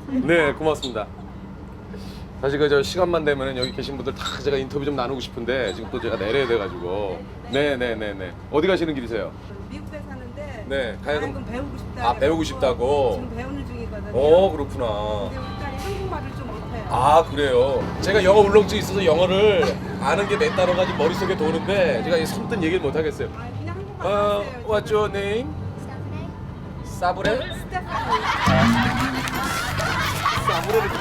네, 고맙습니다. 사실 저 시간만 되면은 여기 계신 분들 다 제가 인터뷰 좀 나누고 싶은데 지금 또 제가 내려야 돼가지고. 네네네네. 어디 가시는 길이세요? 미국에 사는데 네, 가야금. 가야금 배우고 싶다. 아, 배우고 싶다고? 지금 배우는 중이거든요. 그렇구나. 근데 우리 딸이 한국말을 좀 못해요. 아, 그래요. 제가 영어 울렁증이 있어서 영어를 아는 게 몇 단어가 머릿속에 도는데 제가 선뜻 얘기를 못 하겠어요. 아, 그냥 한국말 하세요. What's your name? 사브레? 스테파니. 사브레를.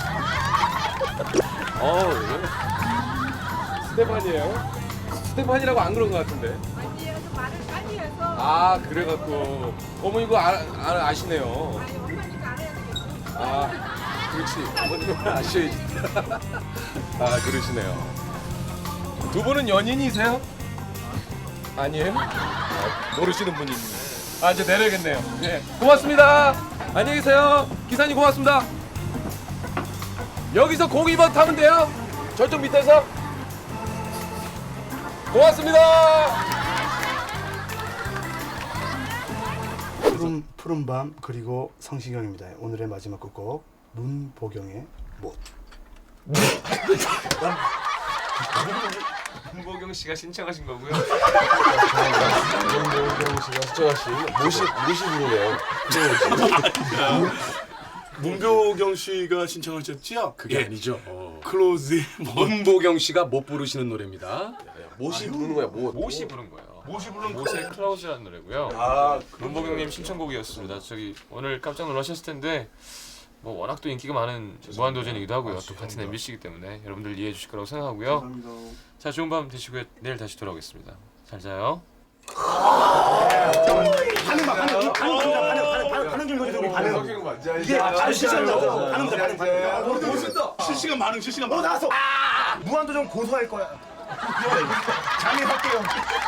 스테판이에요? 스테판이라고 안 그런 것 같은데. 아니에요. 좀 말을 빨리 해서. 아, 그래갖고. 어머, 이거 아시네요. 아니, 엄마니까 알아야 되겠어. 아, 그렇지. 어머님은 아셔야지. 아, 그러시네요. 두 분은 연인이세요? 아니에요? 모르시는 분이네. 아, 이제 내려야겠네요. 네. 고맙습니다. 안녕히 계세요. 기사님 고맙습니다. 여기서 02번 타면 돼요. 저쪽 밑에서. 고맙습니다. 푸른 밤 그리고 성시경입니다. 오늘의 마지막 곡 문보경의 못. 문보경 씨가 신청하신 거고요. 문보경 씨가 수정하신 무시 부르네요. 문보경 씨가 신청하셨지요? 그게 아니죠. 클로즈의 문보경 씨가 못 부르시는 노래입니다. 못이 부르는 거야. 못. 못이 부른 거예요. 못이 부른 못의 클라우즈라는 노래고요. 문보경님 신청곡이었습니다. 저기 오늘 깜짝 놀라셨을 텐데 뭐 워낙 또 인기가 많은 무한도전이기도 하고요. 또 같은 MBC이기 때문에 여러분들 이해해 주실 거라고 생각하고요. 감사합니다. 자, 좋은 밤 되시고요. 내일 다시 돌아오겠습니다. 잘 자요. 반응 좀 해줘. 반응. 이게 아주 실시간으로 반응. 실시간 반응. 나왔어. 무한도전 고소할 거야. 잠입할게요.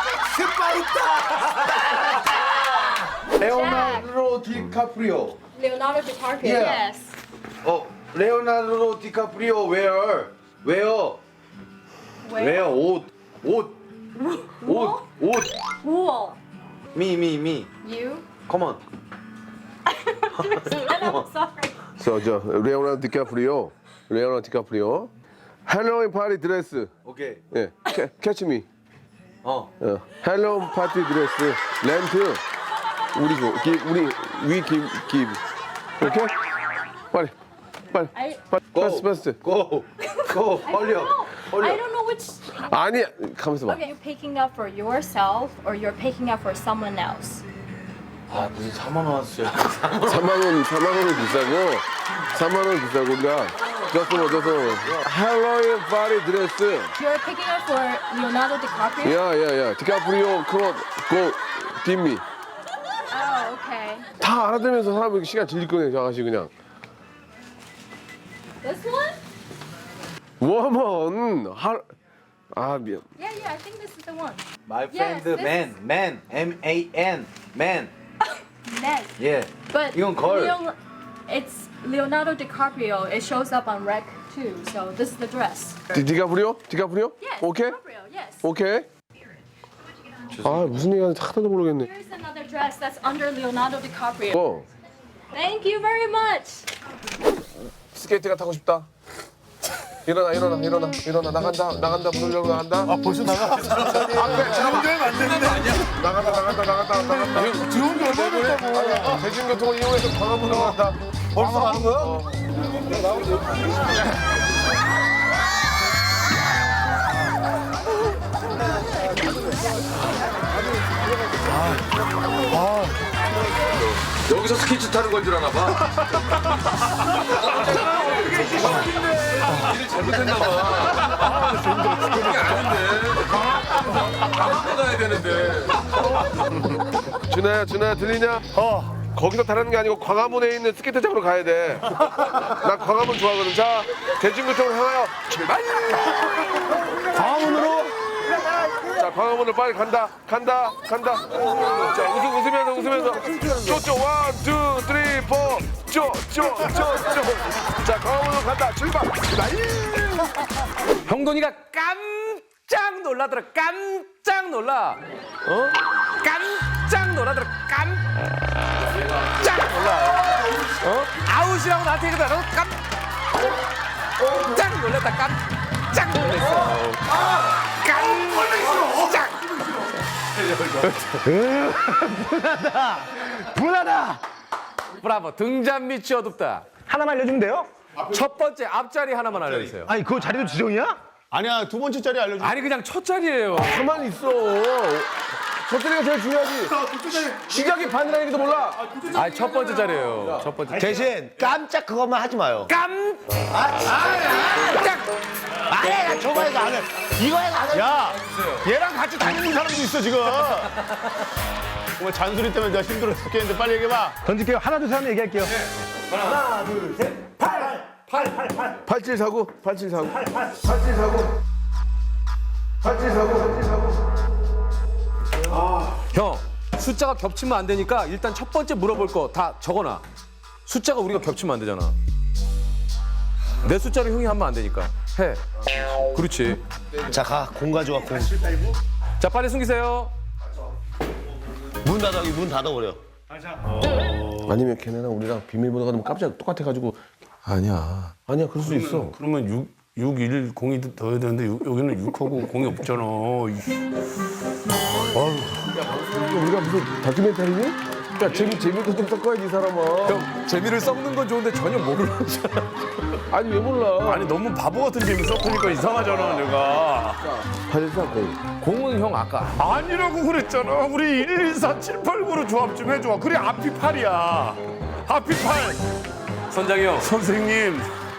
스파이다. 레오나르도 디카프리오. Leonardo DiCaprio. Yeah. Yes. 레오나르도 디카프리오 where? Where? 옷. Wall. Me. You? Come on. I'm sorry. 저 레오나르도 디카프리오 헬로윈 파티 드레스 오케이. 예 캐치 미 어. 헬로윈 파티 드레스 렌트 우리 give 오케이 빨리 I 패스트 고. I don't know which. 아니 가면서 봐 Okay, you're picking up for yourself or you're picking up for someone else. 아, 무슨 4만 원 왔어요. 4만 원은 비싸고 4만 원은 비싸고 우리가 줬어 헬로윈 파티 드레스 You're picking up for Leonardo DiCaprio. 야야야 디카프리오 크로 고 딥미 Oh, okay. 다 알아들으면서 사람이 시간 질릴 거네 저 아가씨 그냥 This one? 워먼 미안 Yeah, I think this is the one. My Yes, friend this- man. M-A-N. Man. Next. 예. But 이건 걸. it's Leonardo DiCaprio. It shows up on Rec too. So this is the dress. 디카프리오? Yes. 오케이? DiCaprio. Yes. 오케이. 아 무슨 얘기하는지 하나도 모르겠네. Here's another dress that's under Leonardo DiCaprio. Thank you very much. 스케이트가 타고 싶다. 일어나 나간다 부르려고 나간다. 아 벌써 나가? 앞에 잠깐만 안 되는데. 나간다. 들어온 게 얼마나 됐다고. 대중교통을 이용해서 광화문으로 간다. 벌써 가는 거야? 여기서 스케이트 타는 건 줄 아나 봐. 일을 잘못했나 봐. 그게 아닌데. 강원도 가야 되는데. 준아야 들리냐? 거기서 타는 게 아니고 광화문에 있는 스케이트장으로 가야 돼. 나 광화문 좋아하거든. 자 대중교통을 향하여 출발. 광화문으로? 자 광화문으로 빨리 간다. 자 웃으면서 쪼쪼 1, 2, 3, 4 쪼. 자 광화문으로 간다. 출발. 형돈이가 깜짝 놀라더라. 깜짝 놀라. 깜짝 놀라더라. 깜짝 놀라. 아웃이라고 나한테 얘기하다 나도 깜짝 놀랐다. 깜짝 놀랐어. 깜짝. 분하다. 브라보. 등잔 밑이 어둡다. 하나만 알려주면 돼요? 첫 번째 앞자리 하나만 알려주세요. 아니 그거 자리도 지정이야? 아니야, 두 번째 자리 알려줘. 아니 그냥 첫 자리예요. 가만히 있어. 첫 자리가 제일 중요하지. 시작이 반이라는 얘기도 몰라. 아니 첫 번째 자리예요. 첫 번째. 대신 깜짝 그것만 하지 마요. 아니, 저거 해서 안 해. 이거 해서 안 해. 야, 얘랑 같이 다니는 사람도 있어, 지금. 정말 잔소리 때문에 내가 힘들어 죽겠는데 빨리 얘기해봐. 던질게요. 하나 둘 셋 하면 얘기할게요. 하나 둘 셋. 8749 8749 8749 형 숫자가 겹치면 안 되니까 일단 첫 번째 물어볼 거 다 적어놔. 숫자가 우리가 겹치면 안 되잖아. 내 숫자를 형이 하면 안 되니까 해. 그렇지. 자, 가. 공 가져와, 공. 자 빨리 숨기세요. 문 닫아, 여기 문 닫아버려. 아니면 걔네랑 우리랑 비밀번호가 너무 깜짝 똑같아가지고. 아니야, 그럴 수 있어. 그러면 610이 더 해야 되는데 여기는 6하고 0이 없잖아. 우리가 무슨 다큐멘터리니? 야, 재미도 좀 섞어야지, 이 사람아. 형 재미를 섞는 건 좋은데 전혀 모르잖아. 아니, 왜 몰라? 아니, 너무 바보 같은 재미 섞으니까 이상하잖아, 내가. 8490. 공은 형 아까 아니라고 그랬잖아. 우리 12478구로 조합 좀 해줘. 그래, 앞이 8이야. 앞이 8. 선장이 형. 선생님.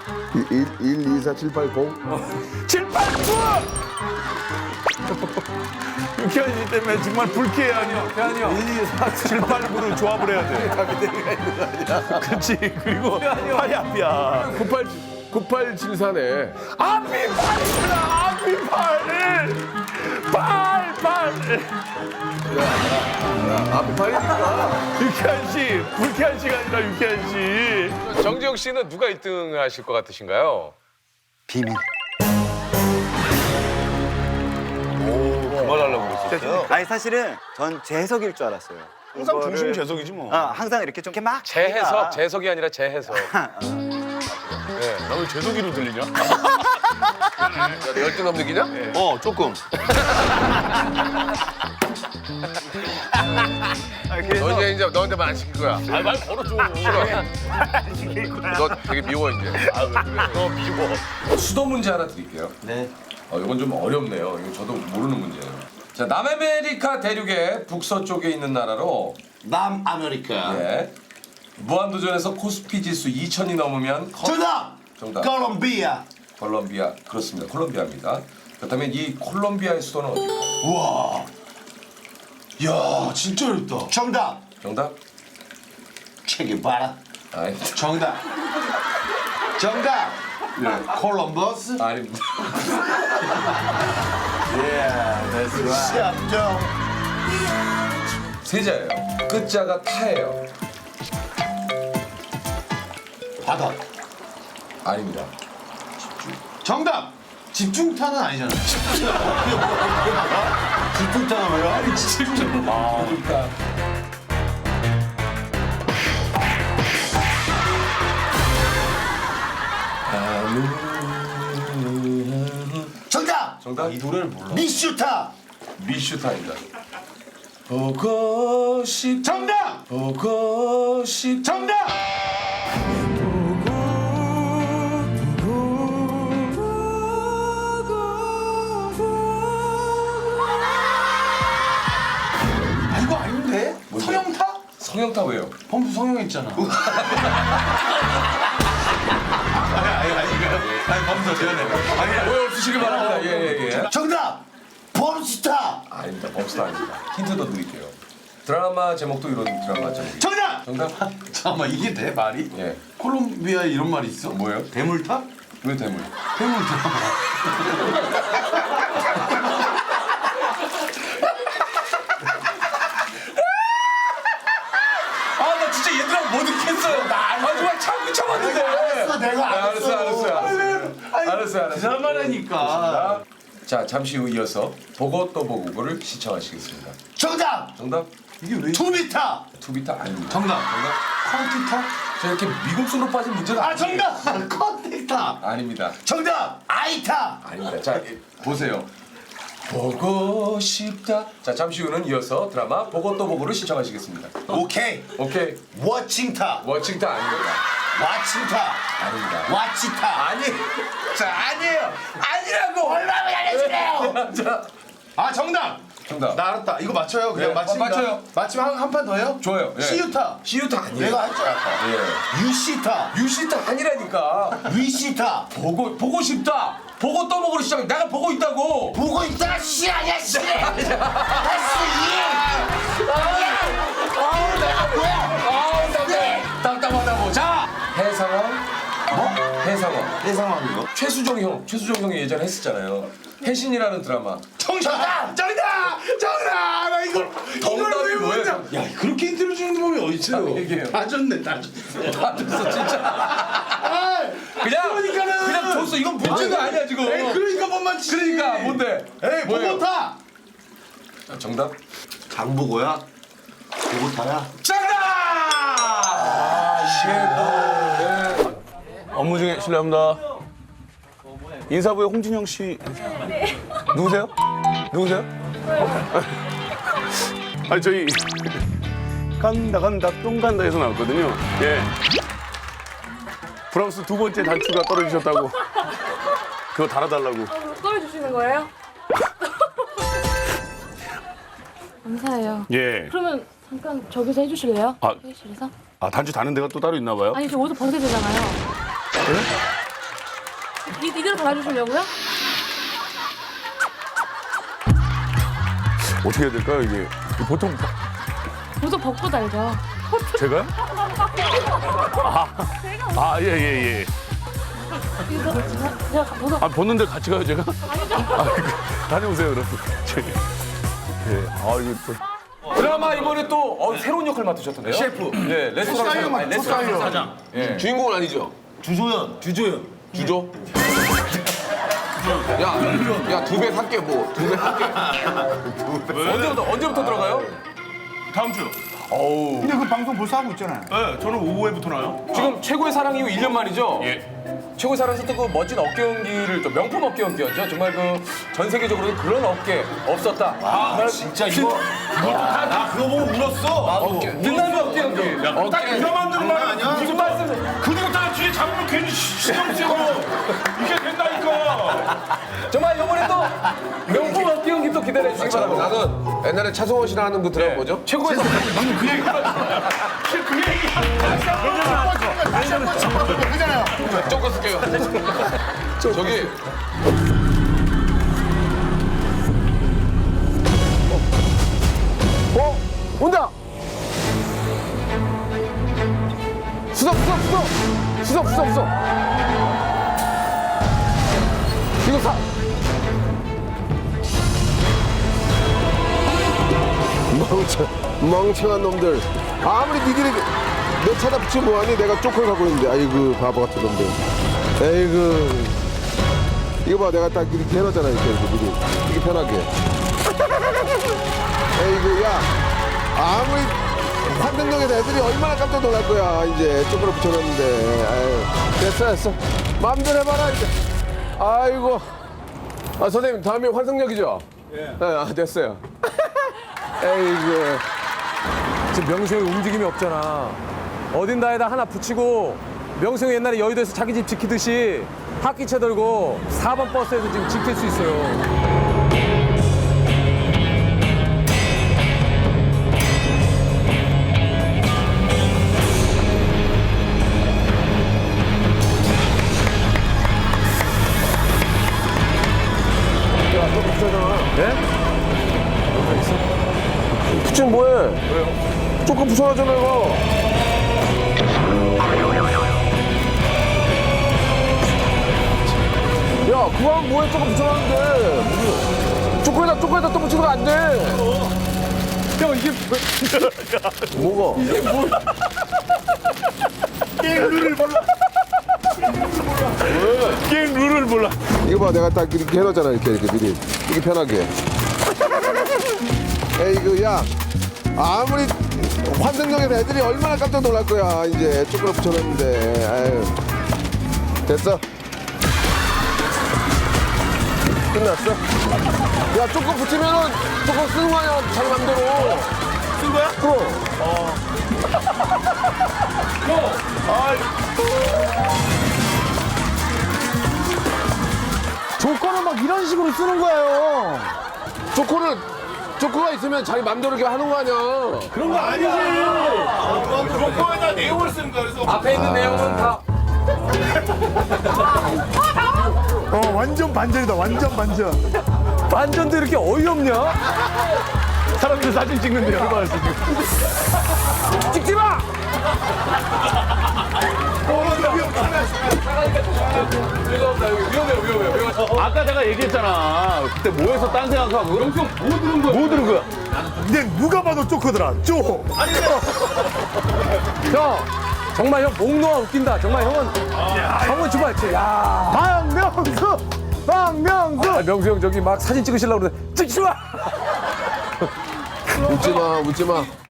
124780. 789! 유쾌한 씨 때문에 정말 불쾌해하냐. 태환이 형. 789로 조합을 해야 돼. 그렇지. 그리고 8이 앞이야. 9874네. 앞이 8이구나. 앞이 8. 8. 앞에 8이니까. 유쾌한 씨. 불쾌한 씨가 아니라 유쾌한 씨. 정지영 씨는 누가 1등 하실 것 같으신가요? 그만하려고 그랬었어요. 아니 사실은 전 재해석일 줄 알았어요. 항상 이거를- 중심 재석이지 뭐. 항상 이렇게 좀 이렇게 막 재해석, 재석이 아니라 재해석. 나 왜 재석이로 들리냐? 열등감 느끼냐? 조금. 너한테만 안 시킬 거야. 말 걸어줘. 너 되게 미워 이제. 너 미워. 수도 문제 하나 드릴게요. 네. 이건 좀 어렵네요. 이거 저도 모르는 문제예요. 자, 남아메리카 대륙의 북서쪽에 있는 나라로 남아메리카. 예. 무한도전에서 코스피 지수 2000이 넘으면 정답. 정답. 콜롬비아. 콜롬비아. 그렇습니다. 콜롬비아입니다. 그렇다면 이 콜롬비아의 수도는 어디일까요? 우와. 야, 진짜 어렵다. 정답. 정답? 체게바라. 아니, 정답. 콜럼버스. 아닙니다. 시합정. 세자예요. 끝자가 타예요. 바다. 아닙니다. 정답. 집중타는 아니잖아. 집중타는 뭐야? 아니, 집중. 그러니까 정답. 정답? 이 노래를 몰라. 미슈타. 미슈타입니다. 보고 싶. 정답. 보고 싶. 정답. 이거 아닌데? 서영타? 성형타 왜요? 범수 성형했잖아. 아니 범수 제안해. 오해 없으시길 바랍니다. 예. 정답. 범스타. 아닙니다. 범스타 아닙니다. 힌트 더 드릴게요. 드라마 제목도 이런 드라마 제목이. 정답. 정답? 잠깐만 이게 돼 말이? 예. 콜롬비아에 이런 말이 있어? 뭐예요? 대물탑? 왜 대물? 대물탑. 아, 나 진짜 얘들하고 못 읽겠어요. 정말 참고 참았는데. 알았어요. 드라마라니까. 자, 잠시 후 이어서 보고 또 보고를 시청하시겠습니다. 정답. 정답? 이게 왜? 투비타. 투비타 아닙니다. 정답. 컴퓨터? 저 이렇게 미국순으로 빠진 문제가 아 정답. 컨택타. 아닙니다. 정답. 아이타. 아닙니다. 자, 보세요. 보고 싶다. 자, 잠시 후는 이어서 드라마 보고 또 보고를 신청하시겠습니다. 오케이. 오케이. 워칭타. 워칭타 아닙니다. 와칭타. 아닙니다. 와치타. 아니, 자, 아니에요. 아니라고. 얼마나 알려주래요. 자, 아 정답. 정답. 나 알았다. 이거 맞춰요. 그냥 네, 맞히면 맞춰요. 맞히면 한 판 더 해요? 좋아요. 예. 시유타. 시유타 아니에요. 내가 할 줄 알았다. 예. 유시타. 유시타 아니라니까. 위시타. 보고 싶다. 보고 또 보고로 시작. 내가 보고 있다고. 보고 있다가 씨 아니야 씨. 답답하다고. 자, 해상원. 뭐? 해상원. 해상황이요? 최수종 형이 예전에 했었잖아요. 해신이라는 드라마. 정답. 나 이걸 정답이 뭐예요? 야 그렇게 인터뷰 주는 법이 어딨어요? 얘기해요. 다 줬네 다 줬어. 다 됐어 진짜. 그러니까는. 그냥 줬어. 이건 문제가 아니야 지금. 에이 그러니까 뭔만 치지. 그러니까 뭔데? 에이 뭐예요? 보고타. 정답. 장보고야? 보고타야? 정답. 업무 중에 실례합니다. 인사부의 홍진영 씨. 누구세요? 아니 저희 간다 똥 간다에서 나왔거든요. 예. 브라우스 두 번째 단추가 떨어지셨다고. 그거 달아달라고. 떨어주시는 거예요? 감사해요. 예. 그러면 잠깐 저기서 해주실래요? 아. 회의실에서? 아 단추 다는 데가 또 따로 있나 봐요. 아니 저 옷을 벗어야 되잖아요. 이대로 달아주시려고요? 어떻게 해야 될까요 이게? 보통 옷을 벗고 달죠. 제가요? 예. 이거 제가 벗어. 아 벗는데 같이 가요 제가? 다녀오세요 그럼. 예. 아 이거 또. 드라마 이번에 또 새로운 역할 맡으셨던데요? 셰프. 네, 레스토랑 사장. 예. 주인공은 아니죠? 주조? 야, 2배 살게, 뭐. 2배 살게. 언제부터 들어가요? 다음 주. 근데 그 방송 벌써 하고 있잖아요. 네, 저는 오후에부터 나요. 지금 최고의 사랑 이후 1년 만이죠? 예. 최고의 사랑에서 또 그 멋진 어깨 연기를 또 명품 어깨 연기였죠. 정말 그 전 세계적으로 그런 어깨 없었다. 정말 진짜 이거 나 그거 보고 울었어. 빛나는 어깨 연기. 딱 이거 만드는 말 아니야? 무슨 말씀? 그리고 딱 뒤에 잡으면 괜히 신경 쓰고 이게 된다니까. 정말 이번에 또 명품 어깨 연기 또 기대해 주시기 바랍니다. 나는 옛날에 차성원 씨랑 하는 그 드라마 뭐죠? 최고의 사랑. 그 얘기. 조금 쓸게요. 저기. 온다! 수석! 이거 사! 멍청한 놈들. 아무리 니들이 내 차다 붙이면 뭐하니? 내가 쪼크를 갖고 있는데. 아이고, 바보 같은 놈들. 에이구. 이거 봐, 내가 딱 이렇게 해놨잖아, 이렇게 미리. 이게 편하게. 에이구, 야. 아무리 환등역에서 애들이 얼마나 깜짝 놀랄 거야, 이제. 쪼크를 붙여놨는데. 아유. 됐어. 마음대로 해봐라, 이제. 아이고. 아, 선생님, 다음에 환승역이죠? 예. 아, 됐어요. 에이구. 지금 명수 형이 움직임이 없잖아. 어딘가에다 하나 붙이고 명수 형이 옛날에 여의도에서 자기 집 지키듯이 학기차 들고 4번 버스에서 지금 지킬 수 있어요. 붙이면 뭐해? 왜요? 조금 붙여놨잖아, 이거. 야, 그거 하면 뭐해? 조금 붙여놨는데. 쪼꼬에다 또 붙이면 안 돼. 형 이게 뭐가? 게임 룰을 몰라. 이거 봐, 내가 딱 이렇게 해놨잖아, 이렇게 미리. 이게 편하게. 에이그, 야. 아무리 환승역에서 애들이 얼마나 깜짝 놀랄 거야. 이제 쪼그려 붙여놨는데. 아유. 됐어. 끝났어. 야, 조금 붙이면은 조금 쓰는 거 아니야. 자기 맘대로. 쓴 거야? 그럼. 조건은 막 이런 식으로 쓰는 거예요. 조커가 있으면 자기 맘대로 이렇게 하는 거 아니야. 그런 거 아니지. 조건에다 내용을 쓰는 거야. 그래서 앞에 있는 내용은 다 완전 반전이다. 완전 반전. 반전도 이렇게 어이없냐? 사람들 사진 찍는데 열받았어 지금. 찍지 마! 위험해. 아까 내가 얘기했잖아. 그때 뭐해서 딴 생각하고. 영평 뭐 들은 거야? 뭐 들은 거야? 근데 누가 봐도 쪼커더라. 쪼. 형, 정말 형 목 놓아 웃긴다. 정말 형은 정말 야. 박명수. 명수 형 저기 막 사진 찍으시려고 그러는데 찍지 마! 웃지 마.